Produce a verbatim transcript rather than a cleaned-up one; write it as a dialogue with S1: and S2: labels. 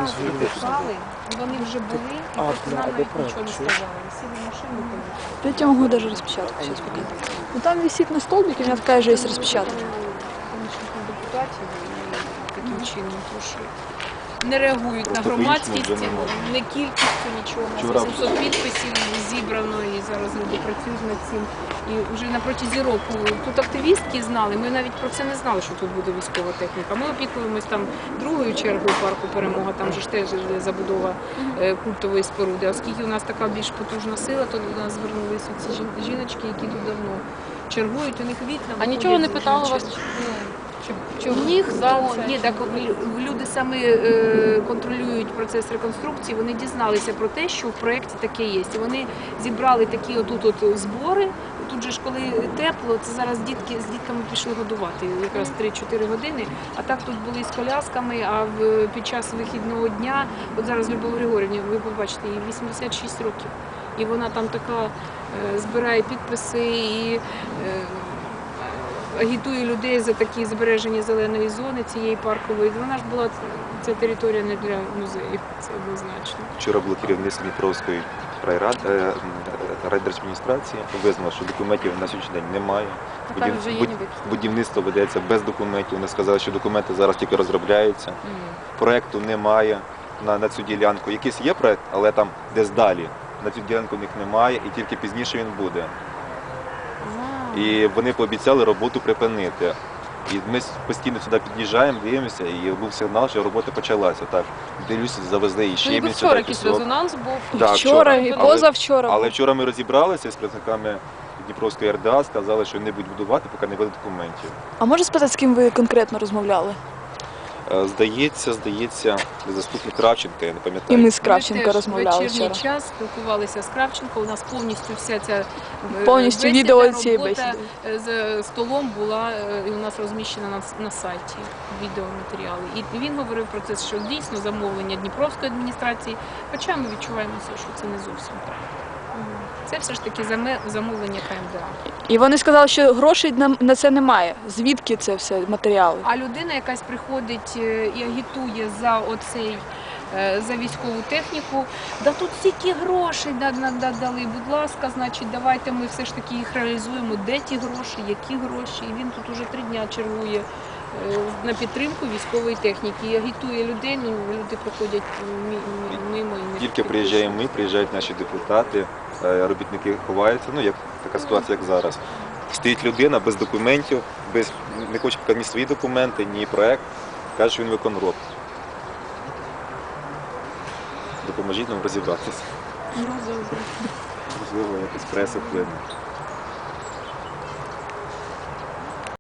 S1: нас викликали, вони вже були, і просто нам навіть нічого не сказали. Сіли в машину,
S2: Я тебе могу даже распечатать сейчас показать. Ну там висит на столбике, у меня такая же есть распечатка.
S1: помічників депутатів і таким чином трошки не реагують на громадськість, не кількістю нічого. вісімсот підписів зібрано і зараз люди працюють над цим. І вже на протязі року тут активістки знали, ми навіть про це не знали, що тут буде військова техніка. Ми опікуємось там другою чергою парку «Перемога», там же ж теж забудова культової споруди. Оскільки у нас така більш потужна сила, то до нас звернулися ці жіночки, які тут давно чергують, у них вікна.
S3: А нічого не питали вас? Чи в них за це?
S1: Ні, так люди саме е, контролюють процес реконструкції, вони дізналися про те, що в проєкті таке є. І вони зібрали такі отут от збори. Тут же ж коли тепло, це зараз дітки з дітками пішли годувати, якраз три-чотири години. А так тут були з колясками, а в, під час вихідного дня, от зараз Любов Григорівна, ви побачите, їй вісімдесят шість років. І вона там така е, збирає підписи і е, агітує людей за такі збереження зеленої зони, цієї паркової. Вона ж була, ця територія не для музеїв, це однозначно.
S4: Вчора було керівництво Дніпровської райради, райдержадміністрації, визнало, що документів на сьогоднішній день немає.
S3: Тепер вже є ніби.
S4: Будівництво ведеться без документів. Вони сказали, що документи зараз тільки розробляються. Проєкту немає на, на цю ділянку. Якийсь є проєкт, але там десь далі. На цю ділянку в них немає і тільки пізніше він буде. І вони пообіцяли роботу припинити. І ми постійно сюди під'їжджаємо, дивимося, і був сигнал, що робота почалася. Так, дивлюся, завезли і ще
S3: Ну, і вчора якийсь резонанс був.
S4: Так,
S2: вчора і
S4: Але-
S2: позавчора.
S4: Але вчора ми розібралися з представниками Дніпровської РДА, сказали, що не будуть будувати, поки не буде документів.
S2: А можеш спитати, з ким ви конкретно розмовляли?
S4: Е, Здається, здається, заступник Кравченка, я не
S2: І
S4: пам'ятаю.
S2: ми з Кравченко
S1: Ми теж
S2: розмовляли
S1: вечірній
S2: вчора.
S1: час спілкувалися з Кравченко. У нас повністю вся ця е,
S2: Повністю
S1: бесіда,
S2: відео цієї
S1: робота
S2: бесіди.
S1: з столом була е, і у нас розміщена на, на сайті відеоматеріали. І він говорив про це, що дійсно замовлення Дніпровської адміністрації, хоча ми відчуваємо, що це не зовсім так. Це все ж таки заме- замовлення КМДА.
S2: І вони сказали, що грошей на, на це немає. Звідки це все матеріали?
S1: А людина якась приходить е, і агітує за оцей, е, за військову техніку, да тут стільки грошей да- да- да- дали, будь ласка, значить, давайте ми все ж таки їх реалізуємо. Де ті гроші, які гроші? І він тут уже три дня чергує е, на підтримку військової техніки. І агітує людей, ну люди проходять мі- мі- мимо. і не
S4: Тільки приїжджаємо ми, приїжджають наші депутати, е, робітники ховаються, ну як така ситуація, як зараз. Стоїть людина без документів, без, не хоче показати ні свої документи, ні проєкт, каже, що він виконроб. Допоможіть нам розібратися.
S1: Ну, добре.
S4: Можливо, якось преса вплине.